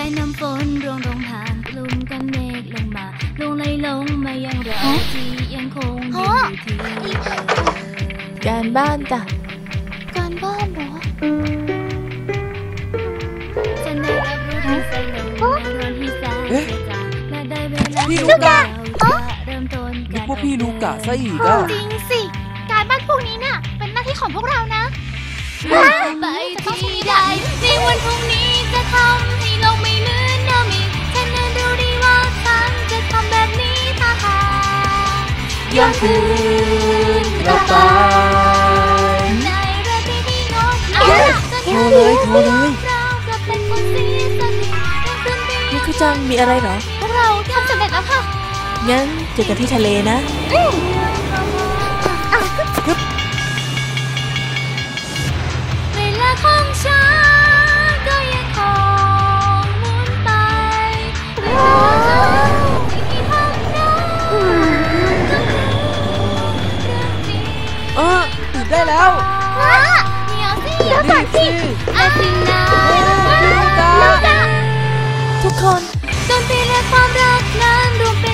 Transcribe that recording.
น้ำฝนร่วงลงผ่านกลุ่มกันเมฆลงมาลงไหลลงมายังเราที่ยังคงอยู่ที่เดิมการบ้านจ้ะการบ้านเหรอฉันได้รับรู้ที่สนุกร้อนที่แสนเสียใจและได้เวลาที่เราจะเริ่มต้นนึกว่าพี่ลูกะซะอีกอ่ะจริงสิการบ้านพวกนี้น่ะเป็นหน้าที่ของพวกเรานะไปที่ใดในวันพรุ่งนี้จะทำให้โลกไม่เหมือนเดิมอีกฉันนั้นรู้ดีว่าฉันจะทำแบบนี้ถ้าหากย้อนคืนกลับไปในราตรีที่งดงามโทรเลยเรากลับเป็นคนเสียสตินี่คือจังมีอะไรเหรอพวกเราทำสำเร็จแล้วค่ะงั้นเจอกันที่ทะเลนะเวลาของฉันก็ยังคงหมุนไปที่ทำได้ตื่นได้แล้วเดี๋ยวสินี่สิอาทิตย์หน้าทุกคนดนตรีและความรักนั้นรวมเป็น